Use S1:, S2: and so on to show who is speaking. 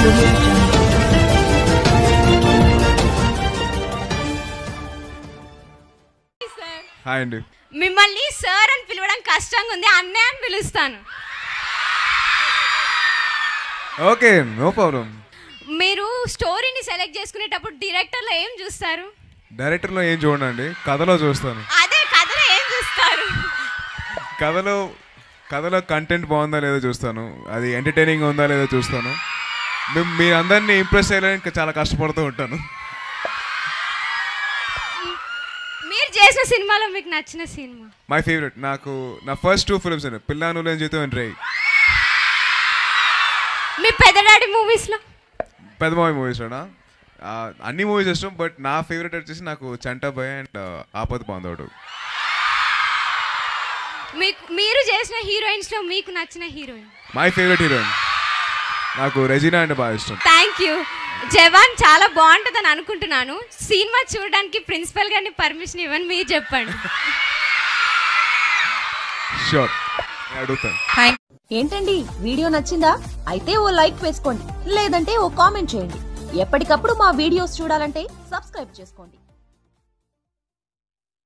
S1: Hi అండి.
S2: మిమ్మల్ని sir అని పిలవడం కష్టంగా ఉంది, అన్నయ్య అని పిలుస్తాను.
S1: Okay, no problem.
S2: మీరు స్టోరీని సెలెక్ట్ చేసుకునేటప్పుడు డైరెక్టర్లో ఏం చూస్తారు?
S1: డైరెక్టర్లో ఏం చూడండి, కథలో చూస్తాను.
S2: అదే కథలో ఏం చూస్తారు?
S1: కథలో కంటెంట్ బాగుందా లేదో చూస్తాను, అది ఎంటర్టైనింగ్ ఉందా లేదో చూస్తాను. మీ అందరినీ ఇంప్రెస్ చేయడానికి చాలా కష్టపడుతూ ఉంటాను.
S2: మీరు చేసిన సినిమాలో మీకు నచ్చిన సినిమా?
S1: మై ఫేవరెట్, నాకు నా ఫస్ట్ 2 ఫిల్మ్స్ అండి, పిల్లాను లేని జీతం అండ్ రేయ్.
S2: మీ పెద్ద డాడీ మూవీస్లో?
S1: పెద్ద మూవీస్లోనా అన్ని మూవీస్ ఇష్టం, బట్ నా ఫేవరెట్ వచ్చేసి నాకు చంటాబాయ్ అండ్ ఆపద బాంధవుడు.
S2: మీరు చేసిన హీరోయిన్స్లో మీకు నచ్చిన హీరోయిన్?
S1: మై ఫేవరెట్ హీరోయిన్ నాకు రెజీనా అంటే బాగా ఇష్టం.
S2: Thank you. జవాన్ చాలా బాగుంటుందని అనుకుంటున్నాను. సినిమా చూడడానికి ప్రిన్సిపల్ గారిని పర్మిషన్ ఇవ్వని మీరు చెప్పండి.
S1: షూర్, అడుగుతాను.
S3: ఏంటండి, వీడియో నచ్చిందా? అయితే ఓ లైక్ వేసుకోండి, లేదంటే ఓ కామెంట్ చేయండి. ఎప్పటికప్పుడు మా వీడియోస్ చూడాలంటే సబ్స్క్రైబ్ చేసుకోండి.